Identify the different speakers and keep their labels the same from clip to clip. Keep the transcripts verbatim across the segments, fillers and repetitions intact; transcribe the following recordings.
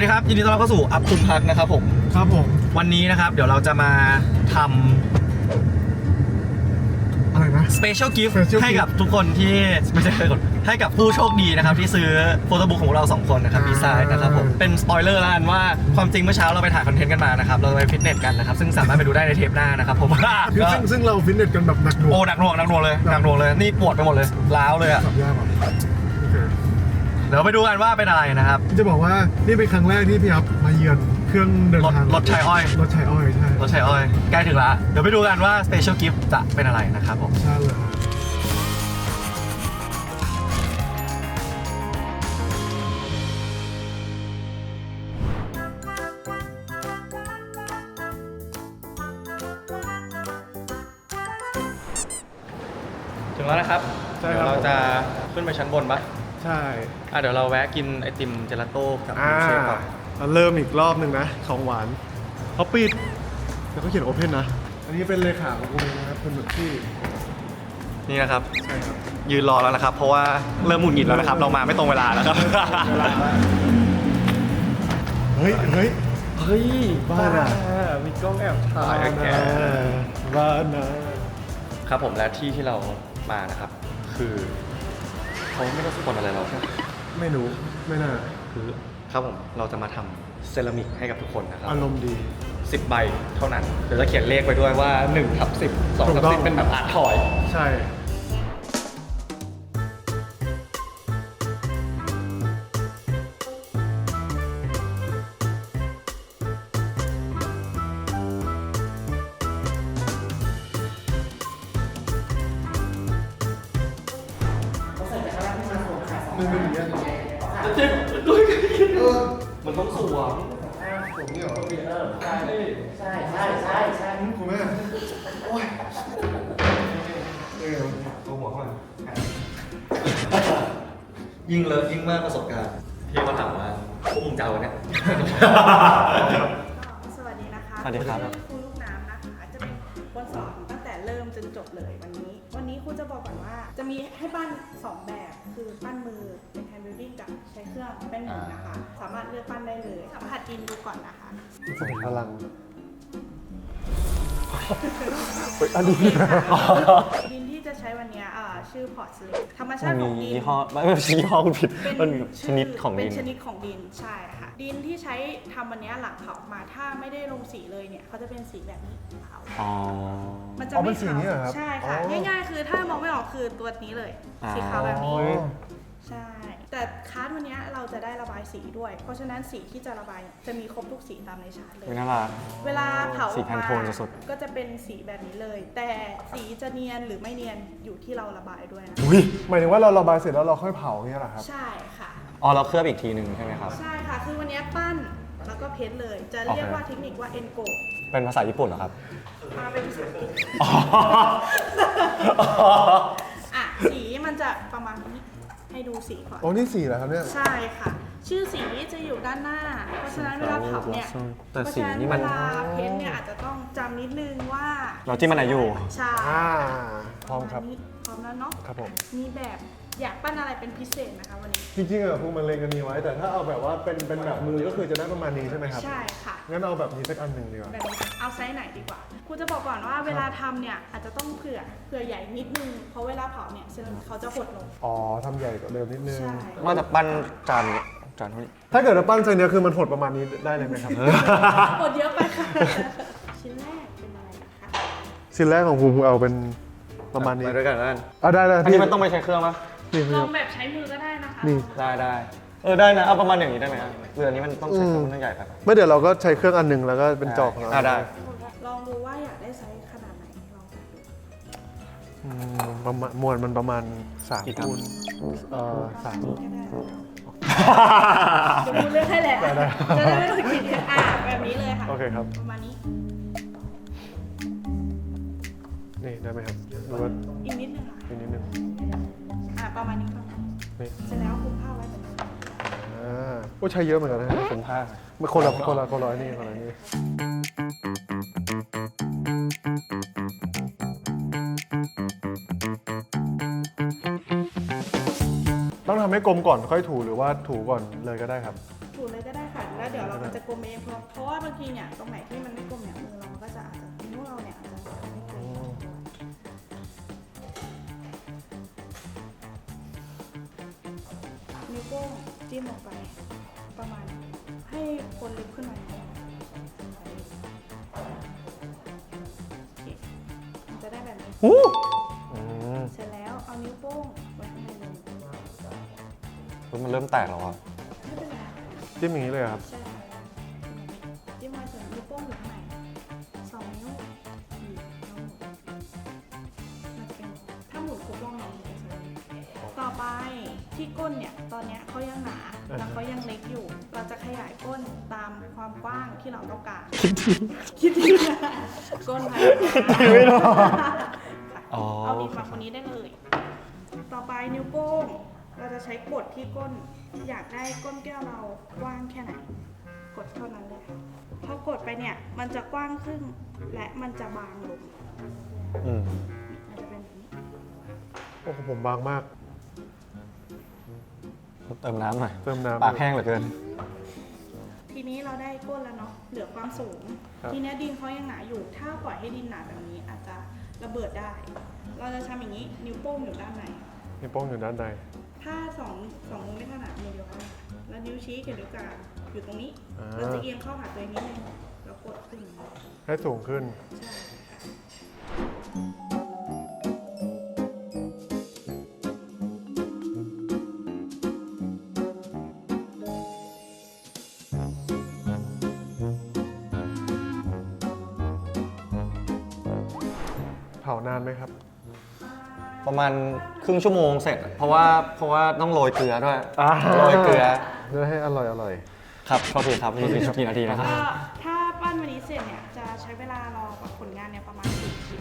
Speaker 1: ดีครับยินดีต้อนรับเข้าสู่อัพคุณพักนะครับผม
Speaker 2: ครับผม
Speaker 1: วันนี้นะครับเดี๋ยวเราจะมาทำ
Speaker 2: อะไรนะ
Speaker 1: Special Gift ให้กับทุกคนที่ไม่ใช่คนให้กับผู้โชคดีนะครับที่ซื้อโฟโต้บุ๊กของเราสองคนนะครับดีไซน์นะครับผมเป็นสปอยเลอร์แล้วกันว่าความจริงเมื่อเช้าเราไปถ่ายคอนเทนต์กันมานะครับเราไปฟิตเนสกันนะครับซึ่งสามารถไปดูได้ในเทปหน้านะครับผม
Speaker 2: ซึ่งซึ่งเราฟิตเนสกันแบบหนักหน่วง
Speaker 1: โอ้หนักหน่วงหนักหน่วงเลยหนักหน่วงเลยนี่ปวดไปหมดเลยล้าวเลยอ่ะ
Speaker 2: สับยากอ่ะโอเค
Speaker 1: เดี๋ยวไปดูกันว่าเป็นอะไรนะครับ
Speaker 2: จะบอกว่านี่เป็นครั้งแรกที่พี่อัพมาเยือนเครื่องเดินทาง
Speaker 1: รถชัยอ้อย
Speaker 2: รถชัยอ้อยใช่
Speaker 1: รถชัยอ้อยใกล้ถึงแล้วเดี๋ยวไปดูกันว่า Special Gift จะเป็นอะไรนะครับผม
Speaker 2: ใช่เลย
Speaker 1: ถึงแล้วนะครับเดี๋ยวเราจะขึ้นไปชั้นบนปะ
Speaker 2: ใช่
Speaker 1: อ่ะเดี๋ยวเราแวะกินไอติมเจลาโต้กับเชฟก่อน
Speaker 2: เริ่มอีกรอบหนึ่งนะของหวานเขาปิดแล้วก็เขียนโอเพนนะอันนี้เป็นเลขาของกูนะครับคุณหนุ่มที่
Speaker 1: นี่นะครับ
Speaker 2: ใช่ครับ
Speaker 1: ยืนรอแล้วนะครับเพราะว่าเริ่มหงุดหงิดแล้วนะครับเรามาไม่ตรงเวลาแล้วครับ
Speaker 2: เฮ้ยเฮ้ย
Speaker 1: เฮ้ย
Speaker 2: บ้าอะ
Speaker 1: มีกล้องแอบถ่ายแก
Speaker 2: บ้านะครับ
Speaker 1: ผมและที่ที่เรามานะครับคือเขาไม่ได้สปอนอะไรเราใช่ไหม
Speaker 2: ไม่รู้ไม่น่า
Speaker 1: คือครับผมเราจะมาทำเซรามิกให้กับทุกคนนะครับ
Speaker 2: อารมณ์ดี
Speaker 1: สิบใบเท่านั้นเดี๋ยวจะเขียนเลขไปด้วยว่าหนึ่งทับสิบ สองทับสิบเป็นแบบอาร์ตทอย
Speaker 2: ใช่มันเป็นอย่างนี้
Speaker 1: จะเจ็บด้วยมันต้องสวม
Speaker 2: สวมนี่เหรอ
Speaker 1: ใช่ใช่ใช่ใช่ใช่
Speaker 2: คุณแม่โอ้ยเออตัวหัวเข้ามา
Speaker 1: ยิ่งเลอะยิ่งมากประสบการณ์พี่ก็ถามว่าพวกมึงจะเอาเนี่ย
Speaker 3: สวัสดีนะคะ
Speaker 1: สวัสดีครับ
Speaker 3: ครูลูกน้ำนะคะจะเป็นคนสอนตั้งแต่เริ่มจนจบเลยวันนี้วันนี้ครูจะบอกก่อนว่าจะมีให้ปั้นสองแบบคือปั้นมือเป็นแฮนด์บิลดิ้งกับใช้เครื่องแป้นหมูนะคะสามารถเลือกปั้นได้เลยสัมผัสดินดูก่อนนะคะ
Speaker 2: ใส่พลังอันนี้
Speaker 3: ดินที่จะใช้วันนี้ชื่อพอร์ตสลิปธรรมชาติของดิน
Speaker 1: ยี่ห้อไม่ใช่ยี่ห้อคุณผิดเป็นชนิดของดิน
Speaker 3: เป็นชนิดของดินใช่ค่ะดินที่ใช้ทำวันนี้หลังเผามาถ้าไม่ได้ลงสีเลยเนี่ยเขาจะเป็นสีแบบนี้ขาว
Speaker 1: อ๋อ
Speaker 3: มันจะไม่ขาวใช่ค่ะง่ายๆคือถ้ามองไม่ออกคือตัวนี้เลยสีขาวแบบนี้ใช่แต่คาร์ดวันนี้เราจะได้ระบายสีด้วยเพราะฉะนั้นสีที่จะระบายจะมีครบทุกสีตามในชาร์ตเลย
Speaker 1: น่ารัก
Speaker 3: เวลาเผา
Speaker 1: สีแพนโทนสด
Speaker 3: ก็จะเป็นสีแบบนี้เลยแต่สีจะเนียนหรือไม่เนียนอยู่ที่เราระบายด้วยนะ
Speaker 2: อุ้ยหมายถึงว่าเราระบายเสร็จแล้วเราค่อยเผาเนี่ยเหรอครับ
Speaker 3: ใช่ค่ะ
Speaker 1: อ๋อเราเคลือบอีกทีหนึ่งใช่ไหมครับ
Speaker 3: ใช่ค่ะคือวันนี้ปั้นแล้วก็เพ้นเลยจะเรียกว่าเทคนิคว่าเอ็นโก
Speaker 1: เป็นภาษาญี่ปุ่นเหรอครับ
Speaker 3: มาเป็นภาษาอังกฤษอ่ะสีมันจะประมาณนี้ให้ดูสีก่อน
Speaker 2: โอ้นี่สีเหรอครับเนี่ย
Speaker 3: ใช่ค่ะชื่อสีจะอยู่ด้านหน้าเพราะฉะนั้นเวลาเผาเนี่ย
Speaker 1: แต่สีนี่มัน
Speaker 3: เวลาเพ้นเนี่ยอาจจะต้องจำนิดนึงว่า
Speaker 1: เราจิ้มมันไหนอยู่
Speaker 3: ใช่
Speaker 2: พร้อมครับ
Speaker 3: พร้อมแล้วเนาะ
Speaker 2: ครับผม
Speaker 3: มีแบบอยากปั้นอะไรเป็นพิเศษนะคะวันนี้
Speaker 2: จริงๆอะพวกมันเลงกันนี้ไว้แต่ถ้าเอาแบบว่าเป็นเป็นแบบมือก็คือจะได้ประมาณนี้ใช่ไหมครับ
Speaker 3: ใช่ค่ะ
Speaker 2: งั้นเอาแบบนี้สักอันหนึ่งดีกว่า
Speaker 3: แบบนี้เอาไซส์ไหนดีกว่าครูจะบอกก่อนว่าเวลาทำเนี่ยอาจจะต้องเผื่อเผื่อใหญ่นิดนึงเพราะเวลาเผาเนี่ยเซรามิกเขาจะหดลง
Speaker 2: อ๋อทำใหญ่กว่าเดิมนิดนึง
Speaker 1: ว่าจะปั้นจานจานเท่านี้
Speaker 2: ถ้าเกิดเราปั้นไซส์นี้คือมันหดประมาณนี้ได้เลยไหมครับ
Speaker 3: หดเยอะไปค่ะชิ้นแรกเป็นอะไรนะคะ
Speaker 2: ชิ้นแรกของภูมิเอาเป็นประมาณนี้
Speaker 1: ไปด้วยกันแล้วกัน
Speaker 2: เอาได้เลย
Speaker 1: อันนี้มันต้องไปใช้เครื่องปะ
Speaker 3: ลองแบบใช้มือก็ได้นะคะ
Speaker 2: นี่
Speaker 1: ได้ได้เออได้นะเอาประมาณอย่างนี้ได้ไหมครับเรือนี้มันต้องใช้เครื่องมันต้องใหญ่ครับ
Speaker 2: ไม่เดี๋ยวเราก็ใช้เครื่องอันหนึ่งแล้วก็เป็นจอก
Speaker 1: อ่าได้
Speaker 3: ลองดูว่าอยากได้ไซส์ขนาดไหนลอง
Speaker 2: ดูประมาณมวลมันประมาณสามคูณเอ่อสาม
Speaker 3: จะพูดเรื่องให้แหละจะได้ไม่ต้องคิดอ่ะแบบนี้เลยค่ะ
Speaker 2: โอเคครับ
Speaker 3: ประมาณนี้
Speaker 2: นี่ได้ไหมครับ
Speaker 3: อีกนิดนึงค่ะ
Speaker 2: อีกนิดนึง
Speaker 3: อ่ะประมาณนี้ก่อนเสร็จแล้วคลุมผ้าไว้แบบนี้
Speaker 2: อ่าโอ้ใช้เยอะเหมือนกันนะ
Speaker 1: คลุมผ้า
Speaker 2: ไม่คนละคนละคนละนี่คนละนี่ต้องทำให้กลมก่อนค่อยถูหรือว่าถูก่อนเลยก็ได้ครับ
Speaker 3: ถูเลยก็ได้ค่ะแล้วเดี๋ยวจะกลมเองเพราะเพราะว่าบางทีเนี่ยตรงไหนที่มันไม่กลมเนี่ยมือเรามันก็จะอาจจะนิ้วเราเนี่ยอาจจะไม่กลมนิ้วโป้งจิ้มลงไปประมาณให้คนลึกขึ้นมาหน่อยมันจะได้แบบนี้
Speaker 1: อู้
Speaker 3: เสร็จแล้วเอานิ้วโป้งไว้ข้างในเลย
Speaker 1: มันเริ่มแตกแล้วอ่ะ
Speaker 3: ไม่เป็นไร
Speaker 2: จิ้มอย่างนี้เลยครับ
Speaker 3: ใช่จิ้มไว้ส่วนนิ้วโป้งอยู่ข้างในสองนิ้วบีบแล้วหมุนมันจะเป็นถ้าหมุนครบรอบมันจะเป็นสวยต่อไปที่ก้นเนี่ยตอนเนี้ยเขายังหนาแล้วเขายังเล็กอยู่ เราจะขยายก้นตามความกว้างที่เราต้องการคิดดีก้นไปไม่รอเอาดินมาคนนี้ได้เลย ต่อไปนิ้วโป้งเราจะใช้กดที่ก้นอยากได้ก้นแก้วเรากว้างแค่ไหนกดเท่านั้นเลยค่ะพอกดไปเนี่ยมันจะกว้างขึ้นและมันจะบางลง
Speaker 1: อืม
Speaker 3: มันจะเป็นแบบนี้
Speaker 2: โอ้โหผมบางมาก
Speaker 1: เติมน้ำหน่อย
Speaker 2: เติมน้ำ
Speaker 1: ปากแห้งเหลือเกิน
Speaker 3: ทีนี้เราได้ก้นแล้วเนาะเหลือความสูง
Speaker 2: ครับ
Speaker 3: ทีนี้ดินเขายังหนาอยู่ ถ้าปล่อยให้ดินหนาแบบนี้อาจจะระเบิดได้ เราจะทำอย่างนี้นิ้วโป้งอยู่ด้านใน
Speaker 2: นิ้วโป้งอยู่ด้านใน
Speaker 3: ถ้าสองสองมือไม่ถนัดมือเดียวกันแล้วนิ้วชี้กับนิ้วกลางอยู่ตรงนี้
Speaker 2: อ่า
Speaker 3: เราจะเอียงเข้าหาตัวเองนิดนึงแล้วกดขึ้น
Speaker 2: ให้สูงขึ้น
Speaker 3: ใช่
Speaker 2: เผานานไหมครับ
Speaker 1: ประมาณครึ่งชั่วโมงเสร็จ เพราะว่าเพราะว่าต้องโรยเกลือด้วย
Speaker 2: อ่า
Speaker 1: โรยเกลือ
Speaker 2: เพื่อให้อร่อยอร่อย
Speaker 1: ครับขอทีครับนี่กี่นาทีนะครับ
Speaker 3: ก็ถ้าปั้นวันนี้เสร็จเนี่ยจะใช้เวลารอกับผลงานเนี่ยประมาณสี่คิว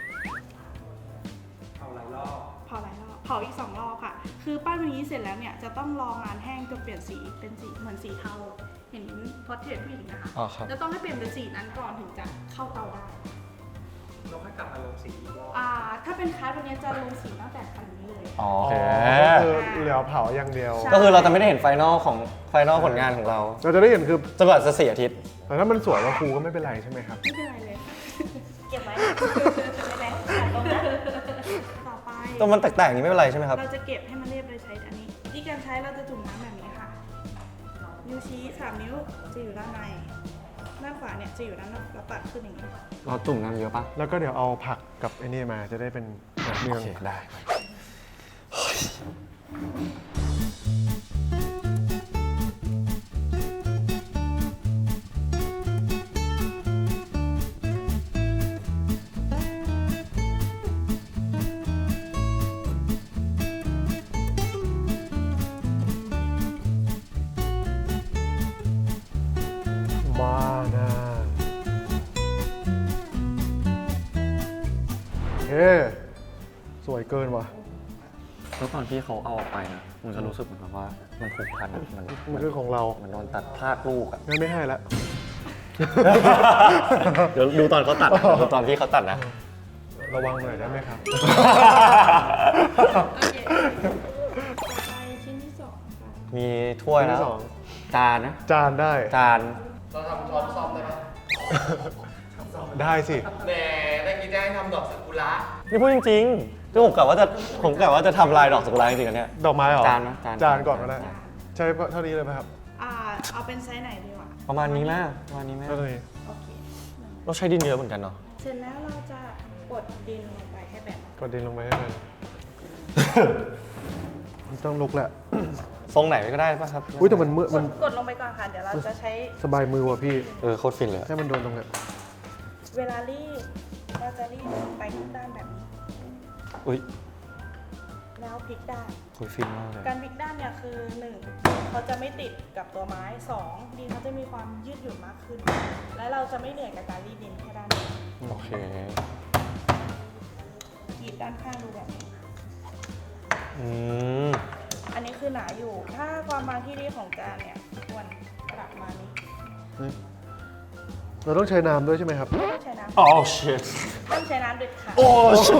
Speaker 3: เผาหลายรอบเผาหลายรอบเผาอีกสองรอบค่ะ คือปั้นวันนี้เสร็จแล้วเนี่ยจะต้องรองานแห้งจนเปลี่ยนสีเป็นสีเหมือนสีเทาเห็นพอร์เทรตผู้หญิงนะคะ
Speaker 1: อ๋อครับ
Speaker 3: จะต้องให้เปลี่ยนเป็นสีนั้นก่อนถึงจะเข้าเตาได้
Speaker 4: เราค่อยกลับมาลงสีอีกรอบ
Speaker 3: อ่าถ้าเป็นคัสวันนี้จะลงสีตั้งแต่คันนี้เลย
Speaker 1: อ๋อ
Speaker 2: อ๋อก็คือเหลือเผาอย่างเดียว
Speaker 3: ใช่
Speaker 1: ก็คือเราจะไม่ได้เห็นไฟนอลของไฟนอลผลงานของเรา
Speaker 2: เราจะได้เห็นคือ
Speaker 1: จนกว่าจะเสียอาทิตย์
Speaker 2: แต่ถ้ามันสวยกว่าครูก็ไม่เป็นไรใช่ไหมครับ
Speaker 3: ไม่เป็นไรเลย
Speaker 5: เก็บไว้ไม่เป็นไรตัดตรงนะ
Speaker 3: ต่อไป
Speaker 1: ตัวมันแตกๆอย่างนี้ไม่เป็นไรใช่ไหมครับ
Speaker 3: เราจะเก็บให้มันเรียบเลยใช้อันนี้ที่การใช้เราจะจุ่มน้ำแบบนี้ค่ะ นิ้วชี้สามนิ้วจะอยู่ด้านใน ด้านขวาเนี่ยจะอยู่ด้านนอกเราตัดขึ้นอย่างนี้
Speaker 1: เราจุ่มน้ำเยอะปะ
Speaker 2: แล้วก็เดี๋ยวเอาผักกับไอ้นี่มาจะได้เป็นหนังเมื
Speaker 1: โอ
Speaker 2: อง
Speaker 1: เคได้
Speaker 2: มานะเฮ้สวยเกินว่ะ
Speaker 1: แล้วตอนที่เขาเอาออกไปนะมันจะรู้สึกเหมือนกับว่ามันผูกพันอะมัน
Speaker 2: มันคือของเรา
Speaker 1: มันโดนตัดพลาดลูกอ่ะ
Speaker 2: งั้นไม่ให้ละ
Speaker 1: เดี๋ยวดูตอนเขาตัดนะดูตอนที่เขาตัดนะ
Speaker 2: ระวังหน่อยได้ไหมครับ
Speaker 3: โอเคต่อไปชิ้นที่สองค่ะ
Speaker 1: มีถ้วย
Speaker 2: ชิ้นที่
Speaker 1: แล้ว
Speaker 2: สอง
Speaker 1: จานนะ
Speaker 2: จานได้
Speaker 1: จาน
Speaker 4: เราทำช้อนซ่อมได้ไหม
Speaker 2: ได้สิ
Speaker 4: แหมได้กินได้ทำดอกซากุระ
Speaker 1: นี่พูดจริงๆคือผมกะว่าจะผมกะว่าจะทำลายดอกสกุลาจริงๆอันเนี้ย
Speaker 2: ดอกไม้เหรอ
Speaker 1: จานนะจาน
Speaker 2: จานก่อนก็ได้
Speaker 1: จาน
Speaker 2: ใช้เท่านี้เลยไหมครับ
Speaker 3: อ่าเอาเป็นไซส์ไหนดีวะ
Speaker 1: ประมาณนี้แม่ประมาณนี้แม่
Speaker 2: เท่านี้
Speaker 3: โอเค
Speaker 1: เราใช้ดินเยอะเหมือนกันเนาะ
Speaker 3: เสร็จแล้วเราจะกดดินลงไปให้แบบ
Speaker 2: กดดินลงไปให้มัน มันต้องลุกแหละ
Speaker 1: ทรงไหนก็ได้ป่ะครับ
Speaker 2: อุ้ยแต่มันมืด
Speaker 3: ก
Speaker 2: มัน
Speaker 3: ดกดลงไปก่อนค่ะ เดี๋ยวเราจะใช้
Speaker 2: สบายมือว่ะพี่
Speaker 1: เออโคตรฟินเลยอะ
Speaker 2: ให้มันโดนตรงเนี้ย
Speaker 3: เวลารีดเราจะรีดไปทุกด้านแบบนี้
Speaker 1: อุ้ย
Speaker 3: แล้วพลิกด้าน
Speaker 1: โคตรฟินมากเลย
Speaker 3: การพลิกด้านเนี่ยคือหนึ่งเขาจะไม่ติดกับตัวไม้สองดินเขาจะมีความยืดหยุ่นมากขึ้น และเราจะไม่เหนื่อยกับการรีดดินแค่ด้านเดียว
Speaker 1: โอเค
Speaker 3: กรีดด้านข้างดูแบบนี้
Speaker 1: อืม
Speaker 3: อันนี้คือหนาอยู่ ถ้าความบางที่ดีของจานเนี่ยควรประมาณนี้
Speaker 2: เราต้องใช้น้ำด้วยใช่ไหมครับ
Speaker 3: ไม่ต้องใช้น้
Speaker 1: อ๋อ shit
Speaker 3: ำต้องใช้น้ำเด็ดขาด
Speaker 1: โอ้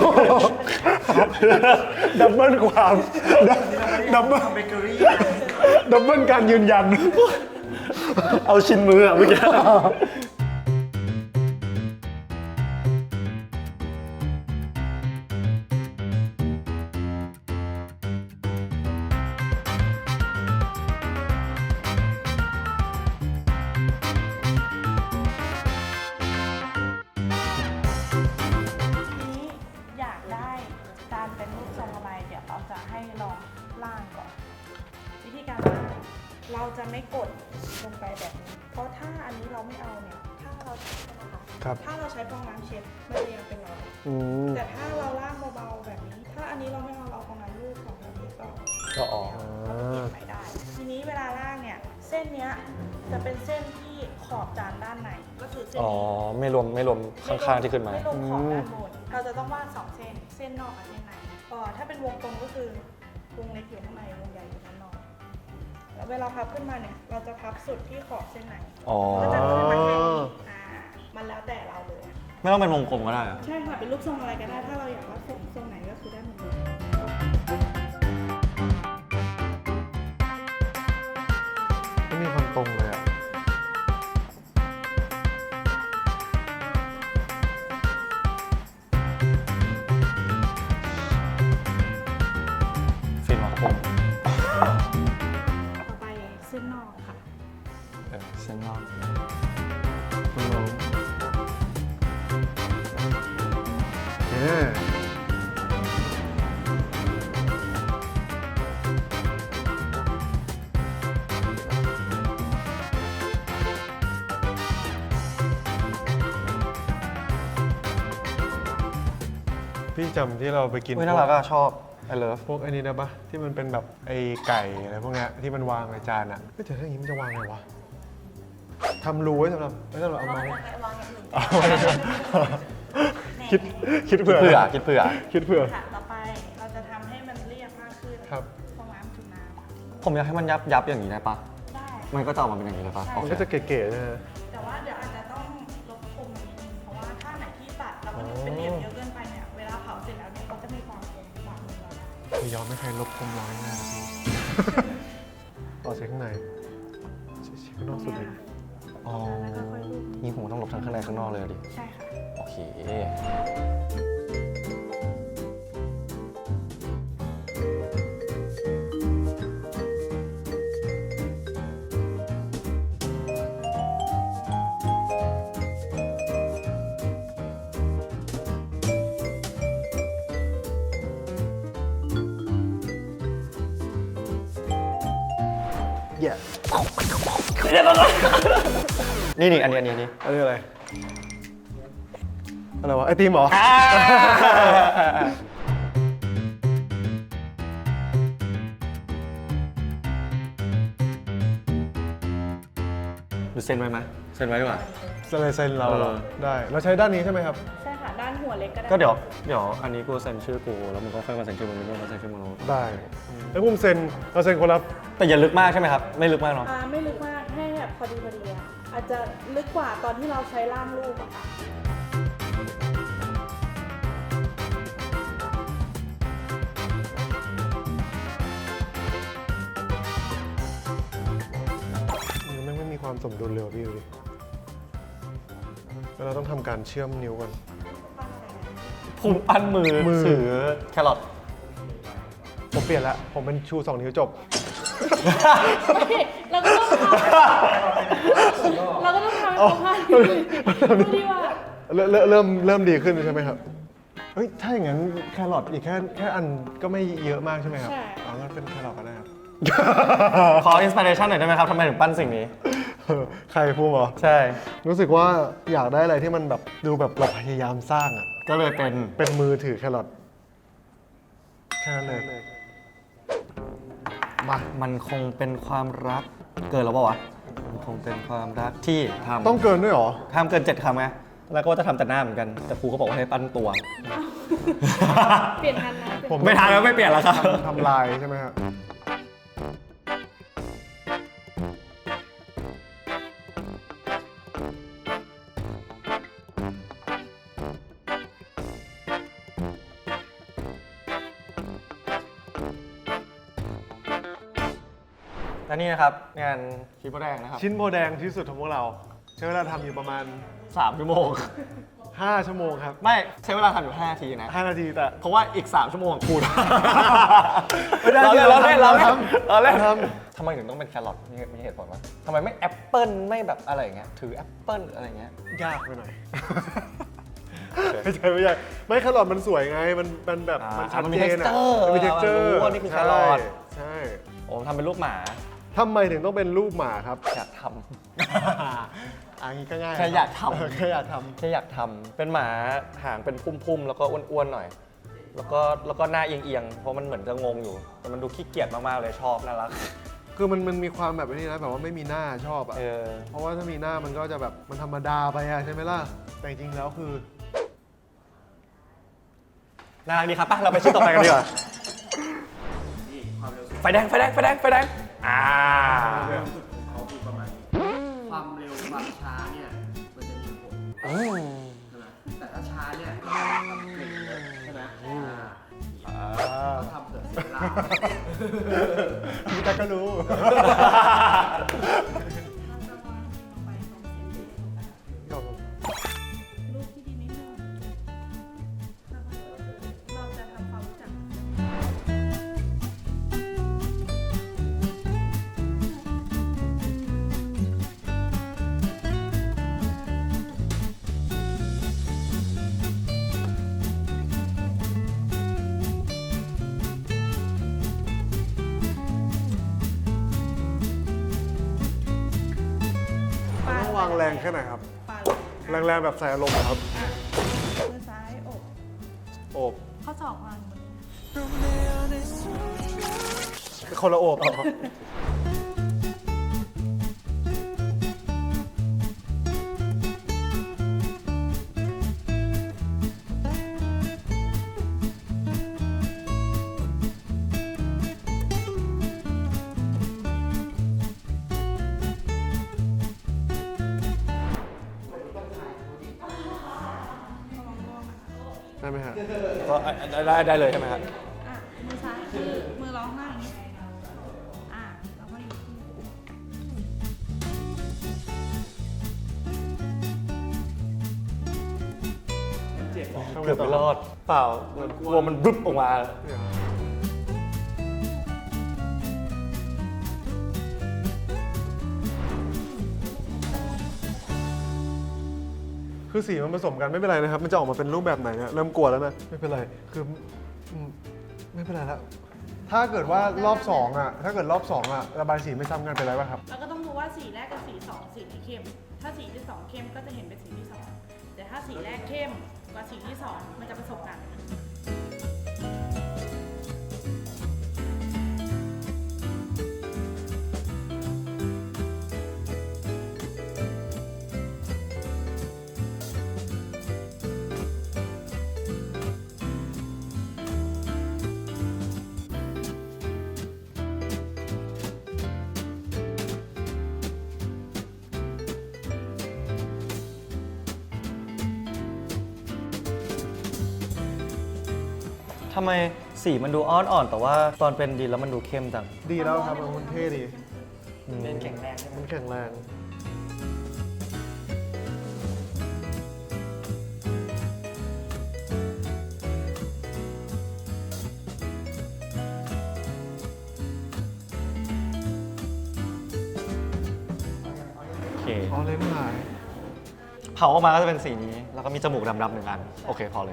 Speaker 2: ดับเบิลความดับเบิล
Speaker 4: เบเกอรี่
Speaker 2: ดับเบิลการยืนยัน
Speaker 1: เอาชิ้นมืออะเมื่อกี้
Speaker 3: ทีนี้อยากได้การเป็นรูปทรงอะไรเดี๋ยวเราจะให้ลองล่างก่อน วิธีการล่างเราจะไม่กดลงไปแบบนี้ เพราะถ้าอันนี้เราไม่เอาเนี่ยถ้าเราใช้นะคะ
Speaker 2: ครับ
Speaker 3: ถ้าเราใช้ฟองน้ำเช็ดมันจะยังเป็นรอย
Speaker 2: อืม
Speaker 3: แต่ถ้าเราล่างเบาๆแบบนี้ ถ้าอันนี้เราไม่เอาเราเอาฟองน้ำลูกของแบบนี้ก็
Speaker 1: ก็ออก
Speaker 3: เราก็เก็บไปได้ ทีนี้เวลาล่างเนี่ยเส้นเนี้ยจะเป็นเส้นที่ขอบจานด้านในก็คือเส้น
Speaker 1: อ๋อ
Speaker 3: นี้
Speaker 1: ไม่รวมไม่รวมข้างๆที่ขึ้นมา
Speaker 3: ไม่ลงขอบด้านบน เราจะต้องวาดสองเส้น เส้นนอกกับเส้นในเอ่อถ้าเป็นวงกลมก็คือวงเล็กอยู่ข้างใน วงใหญ่อยู่ด้านนอก แล้วเวลาพับขึ้นมาเนี่ย เราจะพับสุดที่ขอบเส้นใน
Speaker 1: อ๋อ
Speaker 3: ก็จะขึ้นมาแค่นี้อ่า มันแล้วแต่เราเลย
Speaker 1: ไม่ต้องเป็นวงกลมก็ได้อะ
Speaker 3: ใช่ค่ะ เป็นรูปทรงอะไรก็ได้ ถ้าเราอยากวาดทรงทรงไหนก็คือได้หมดเลย
Speaker 2: ไม่มีความตรงเลยอ่ะ
Speaker 1: ฟิล์มครับผม
Speaker 3: ต่อไปเส้นนอกค่ะ
Speaker 1: เออเส้นนอก
Speaker 2: คุณลองเอ๊ะ พี่จำที่เราไปกิน
Speaker 1: เฮ้ยน่ารักอะชอบ I love
Speaker 2: พวกไอ้นี้ได้ปะที่มันเป็นแบบไอ้ไก่อะไรพวกเนี้ยที่มันวางในจานอ่ะไม่แต่ถ้าอย่างนี้มันจะวางไงวะทำรูไว้สำหรับไว้สำหรับเอา
Speaker 5: วาง
Speaker 2: มา
Speaker 5: ยังไงวางอย่างอื่น
Speaker 2: เอาไว้คิดคิด
Speaker 1: คิด
Speaker 2: เผื่อ
Speaker 1: เผื่อคิดเผื่อ
Speaker 2: คิดเผื่อ
Speaker 3: ค่ะ ต่อไปเราจะทำให้มันเรียบมากขึ้น
Speaker 2: ครับ
Speaker 3: ฟองน้ำจุ่มน้ำ
Speaker 1: ผมอยากให้มันยับยับอย่างนี้ได้ปะ
Speaker 3: ได้
Speaker 1: มันก็จะออกมาเป็นอย่างนี้เลยปะ
Speaker 3: ใช่
Speaker 1: โอ
Speaker 2: มัน
Speaker 1: เค
Speaker 2: ก็จะเก๋ๆนะฮะ
Speaker 3: แต่ว่าเดี๋ยวอาจจะต้องลบคมนิดนึงเพราะว่าถ้าไหนที่ตัดแล้วมันเป็นเหลี่ยมเยอะเกินไปเนี่ย เวลาเผาเสร็จแล้วเนี่ยมันจะมีความคมกว่ามือเราได้
Speaker 2: ไม่ยอมไม่ใครลบคมร้อยหน้าพี่ ต่อเช็คข้างในเช็คข้างนอกสุดเลย
Speaker 1: อ๋อ
Speaker 3: แล้วก็ค่อยรูป
Speaker 1: นี่ผมต้องหลบทั้งข้างในข้างนอกเลยอะดิ
Speaker 3: ใช่ค่ะ
Speaker 1: โอเค
Speaker 2: แย่
Speaker 1: นี่นี่อันนี้อันนี้อันนี้
Speaker 2: อันนี้อะไร อะไรวะ ไอติมเหรอ
Speaker 1: ดูเซ็นไว้ไหมเซ็นไว้ดีกว่า
Speaker 2: สไลเซนเราเหรอ
Speaker 1: เออ
Speaker 2: ได้ เราใช้ด้านนี้ใช่ไหมครับ
Speaker 3: ใช่ค่ะ ด้านหัวเล็กก็ได้
Speaker 1: ก็เดี๋ยวเดี๋ยวอันนี้กูเซ็นชื่อกูแล้วมึงก็ค่อยมาเซ็นชื่อมึงมึงก็มาเซ็นชื่อมึง
Speaker 2: ได้ แล้วผมเซ็น เราเซ็นคนละ
Speaker 1: แต่อย่าลึกมากใช่ไหมครับ ไม่ลึกมากเนาะ
Speaker 3: อ่าไม่ลึกมากให้แบบพอดีพอดีอะอาจจะลึกกว่าตอนที่เราใช้ล่างรูปอะค่ะ
Speaker 2: มันไม่มีความสมดุลเลยว่ะพี่ดูดิแล้วเราต้องทำการเชื่อมนิ้วกัน
Speaker 1: ผมปั้นมือ
Speaker 2: มือ
Speaker 1: ถือแครอท
Speaker 2: ผมเปลี่ยนละ ผมเป็นชูสองนิ้วจบ
Speaker 3: เราก็ต้องทำเราก็ต้องทำให้ครบห้านิ้วดูดีว่า
Speaker 2: เริ่มเริ่มเริ่มเริ่มดีขึ้นใช่ไหมครับ เฮ้ย ถ้าอย่างนั้นแครอทอีกแค่แค่อันก็ไม่เยอะมากใช่ไหมครับ
Speaker 3: ใช่
Speaker 2: อ๋องั้นเป็นแครอทก็ได้ครับ
Speaker 1: ขออินสปิเรชันหน่อยได้ไหมครับทำไมถึงปั้นสิ่งนี้
Speaker 2: เออใครพูดเหรอ
Speaker 1: ใช่
Speaker 2: รู้สึกว่าอยากได้อะไรที่มันแบบดูแบบเราพยายามสร้างอ่ะ
Speaker 1: ก็เลยเป็น
Speaker 2: เป็นมือถือแครอทแค่นั้นเลย มา
Speaker 1: มันคงเป็นความรักเกินแล้วเปล่าวะมันคงเป็นความรักที่ทำ
Speaker 2: ต้องเกินด้วยเหรอ
Speaker 1: ห้ามเกินเจ็ดคำไงแล้วก็ว่าจะทำแต่หน้าเหมือนกันแต่ครูก็บอกว่าให้ปั้นตัว
Speaker 3: เปลี่ยนทันนะเปลี่ยน
Speaker 2: ผม
Speaker 1: ไม่ทันแล้วไม่เปลี่ยนแล้วครับ
Speaker 2: ทำลายใช่ไหมครับ
Speaker 1: นนี้นะครับงานชิ้นโบแดงนะครับ
Speaker 2: ชิ้นโบแดงที่สุดของพวกเรา ใช้เวลาทำอยู่ประมาณ
Speaker 1: สามชั่วโมง
Speaker 2: ห้าชั่วโมงครับ
Speaker 1: ไม่ใช้เวลาทำอยู่ห้านาทีนะ
Speaker 2: ห้านาทีแต่
Speaker 1: เพราะว่าอีก สาม ชั่วโมงของคุณ
Speaker 2: ไม่ได้
Speaker 1: เราเล่นเราเล่นเรา
Speaker 2: เรา
Speaker 1: เล่น
Speaker 2: ทำ
Speaker 1: เราเล่น
Speaker 2: เราท
Speaker 1: ทำไมถึงต้องเป็นแครอทมีมีเหตุผลว่าทำไมไม่แอปเปิ้ลไม่แบบอะไรอย่างเงี้ยถือแอปเปิ้ลอะไรอย่างเงี้ย
Speaker 2: ยากไปหน่อย ไม่ใช่ไม่ใช่ไม่แครอทมันสวยไง มันมันแบบ
Speaker 1: อ่ามั
Speaker 2: มันชัด
Speaker 1: มันมี
Speaker 2: เจนอะ
Speaker 1: texture
Speaker 2: มันมี texture
Speaker 1: รู้ว่านี่คือแครอท
Speaker 2: ใช่
Speaker 1: ผมทำเป็นรูปหมา
Speaker 2: ทำไมถึงต้องเป็นรูปหมาครับ
Speaker 1: อยากท
Speaker 2: อันนี้ก็ง่าย
Speaker 1: แค่อยากทำ
Speaker 2: เแค่อยากท
Speaker 1: ำแค่อยากทำเป็นหมาหางเป็นพุ่มๆแล้วก็อ้วนๆหน่อย แล้วก็แล้วก็หน้าเอียงๆเพราะมันเหมือนจะงงอยู่ แต่มันดูขี้เกียจมากๆเลยชอบน่ารัก
Speaker 2: ำคือมันมันมีความแบบนี้นะแบบว่าไม่มีหน้าชอบอ่ะ
Speaker 1: เออ
Speaker 2: เพราะว่าถ้ามีหน้ามันก็จะแบบมันธรรมดาไปอะใช่ไหมล่ะ แต่จริงๆแล้วคือ
Speaker 1: น่ารักดีครับป่ะเราไปชิ้นต่อไปกันดีกว่า
Speaker 4: นี่ความเร็วสุด
Speaker 1: ไฟแดงไฟแดงไฟแดงไฟแดงอ่า
Speaker 4: ของเขาคือประมาณนี้ความเร็วความช้าเนี่ยมันจะมีผล
Speaker 1: อืม
Speaker 4: ใช่ไหมแต่ถ้าช้าเนี่ยทำเก่งเลยใช่ไหมอ่า
Speaker 1: อ่า
Speaker 4: ต้องทำเผื่อเสียเวลา
Speaker 2: พี่ตาก็รู้
Speaker 3: รูปที่ดีนิดนึงเราจะทำความรู้จัก
Speaker 2: ต้องวางแรงแค่ไหนครับ
Speaker 3: ปาด
Speaker 2: แรงๆแบบใส่อารมณ์เหรอครับ
Speaker 3: มือซ้ายอก
Speaker 2: โอบ
Speaker 3: ข้อศอกวางบน
Speaker 2: คนละโอบอ๋อ ได้ไหมฮะ
Speaker 1: ก็ได้ได้เลยใช่ไหมครับ
Speaker 3: อ่ะมือซ้ายคือมือร้องหน้าอย่างนี้อ่ะแล้วก็อยู่ที่
Speaker 1: เกือบไม่รอด เปล่ามันกลัวมันบึ๊บออกมา
Speaker 2: คือสีมันผสมกันไม่เป็นไรนะครับ มันจะออกมาเป็นรูปแบบไหนเนี่ยเริ่มกลัวแล้วนะ ไม่เป็นไร คืออืมไม่เป็นไรแล้ว ถ้าเกิดว่ารอบสองอ่ะ ถ้าเกิดรอบสองอ่ะระบายสีไม่ซ้ำกันเป็นไรป่ะครับ
Speaker 3: เราก็ต้องดูว่าสีแรกกับสีสองสีไหนเข้ม ถ้าสีที่สองเข้มก็จะเห็นเป็นสีที่สองแต่ถ้าสีแรกเข้มกว่าสีที่สองมันจะผสมกัน
Speaker 1: ทำไมสีมันดูอ่อนอ่อนแต่ว่าตอนเป็นดินแล้วมันดูเข้มจัง
Speaker 2: ดีแล้วครับมันเท่ดี
Speaker 1: เล่นแข็งแรงใช่ไหม
Speaker 2: มันแข็งแรง
Speaker 1: โอเค
Speaker 2: อ๋อเล่นหาย
Speaker 1: เผาออกมาก็จะเป็นสีนี้ แล้วก็มีจมูกดำๆหนึ่งอัน โอเค พอเลย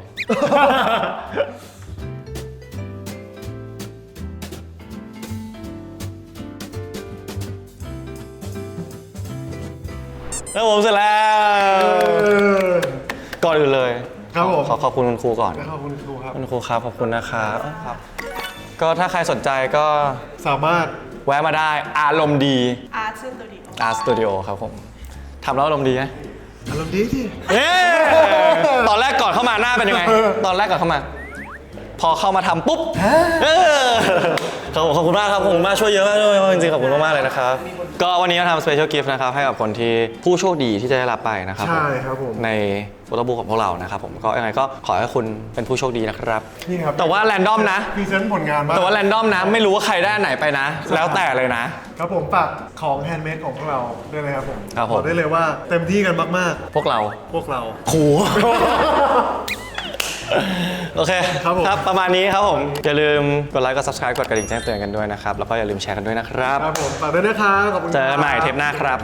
Speaker 1: แล้วผมเสร็จแล้ว ก่อนอื่นเลย
Speaker 2: ครับผม
Speaker 1: ขอขอบคุณคุณครูก่อน
Speaker 2: ขอบคุณครูครับ
Speaker 1: คุณครูครับ ขอบคุณนะครับครับ ก็ถ้าใครสนใจก็
Speaker 2: สามารถ
Speaker 1: แวะมาได้อารมณ์ดี
Speaker 3: อาร์ตสตูดิโอ
Speaker 1: Art Studio ครับผมทำแล้วอารมณ์ดีไหม
Speaker 2: อารมณ์ดีที่
Speaker 1: เอ๊ะตอนแรกก่อนเข้ามาหน้าเป็นยังไง ตอนแรกก่อนเข้ามา พอเข้ามาทำปุ๊บเออขอบขอบคุณมากครับขอบคุณมากช่วยเยอะมากด้วยจริงๆขอบคุณมากๆเลยนะครับก็วันนี้เราทำ special gift นะครับให้กับคนที่ผู้โชคดีที่จะได้รับไปนะครับ
Speaker 2: ใช่ครับผม
Speaker 1: ในโฟโต้บุ๊กของพวกเรานะครับผมก็ยังไงก็ขอให้คุณเป็นผู้โชคดีนะครับ
Speaker 2: นี่ครับ
Speaker 1: แต่ว่าแรนดอมนะ
Speaker 2: พรีเซนต์ผลงานบ้าง
Speaker 1: แต่ว่าแรนดอมนะไม่รู้ว่าใครได้อันไหนไปนะ แล้วแต่เลยนะ
Speaker 2: ครับผมฝากของแฮนด์เมดของพวกเราด้วยนะครับผม
Speaker 1: ครับผม
Speaker 2: อกได้เลยว่าเต็มที่กันมาก
Speaker 1: พวกเรา
Speaker 2: ๆ พวกเรา
Speaker 1: โห โอเค
Speaker 2: ครับผม
Speaker 1: ประมาณนี้ครับผม อย่าลืมกดไลค์กด subscribe กดกระดิ่งแจ้งเตือนกันด้วยนะครับ แล้วก็อย่าลืมแชร์กันด้วยนะครับ
Speaker 2: ครับผมฝากด้วยนะครับขอบคุณ
Speaker 1: เจอกันใหม่เทปหน้าครับ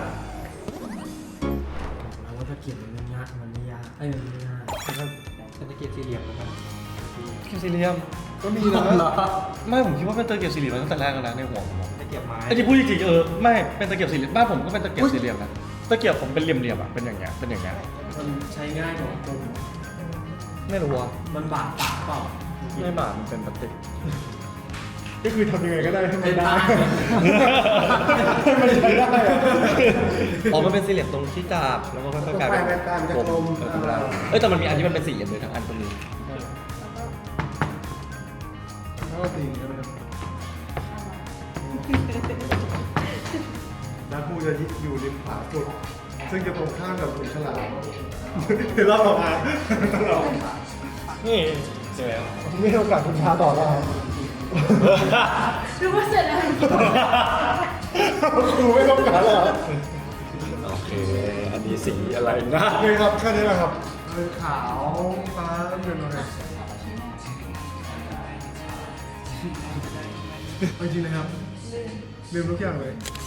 Speaker 4: เอาว่าตะเกียบมันไม่ยากมันไม่ยากไอ้ยมันไม่ยากเป็นตะเกียบสี่เหลี่ยมนะครับ
Speaker 6: เกียบสี่เหลี่ยม
Speaker 2: ก็มีนะ
Speaker 6: ไม่ผมคิดว่าเป็นตะเกียบสี่เหลี่ยมมาตั้งแต่แรกแล้วนะในหัวผมอะ
Speaker 4: ตะเกียบไม้
Speaker 6: ไอ้ที่พูดจริงๆเออไม่เป็นตะเกียบสี่เหลี่ยมบ้านผมก็เป็นตะเกียบสี่เหลี่ยมนะตะเกียบผมเป็นเหลี่ยมๆอ่ะเป็นอย่างเงี้ยเป็นอย่างเงี้ย
Speaker 4: มันใช้ง่ายกว่าปุ่ม
Speaker 6: ไม่รู้ว่า
Speaker 4: มันบาดปากเปล่า
Speaker 6: ไม่บาดมันเป็นพลาสติก
Speaker 2: ก็คือทำยังไงก็ได้ให้มันได้
Speaker 6: ให้มันใช้ได้อะอ๋อมันเป็นสี่เหลี่ยมตรงที่จับแล้วก็ค่อยๆกลายเป็น
Speaker 2: ไปๆกลายเป็นกลม
Speaker 6: เออถูกแล้วเอ้ยแต่มันมีอันที่มันเป็นสี่เหลี่ยมเลยทั้งอันตรงนี้
Speaker 2: ก็ตีใช่ไหมครับแล้วครูจะอยู่ริมขวาสุด ซึ่งจะตรงข้ามกับขุนฉลามเดี๋ยวเราออกมาเรา
Speaker 6: นี่เจอแล้ว
Speaker 2: ไม่ให้โอกาสคุณพาต่อแล้วครับ
Speaker 3: ดูว่าเสร็จแล้ว
Speaker 2: ครูไม่ต้องการแล้ว
Speaker 6: โอเคอันนี้สีอะไรนะ
Speaker 2: นี่ครับแค่นี้แหละครับเป็นขาวฟ้าเป็นอะไรเอาจริงนะครับลืมทุกอย่างเลย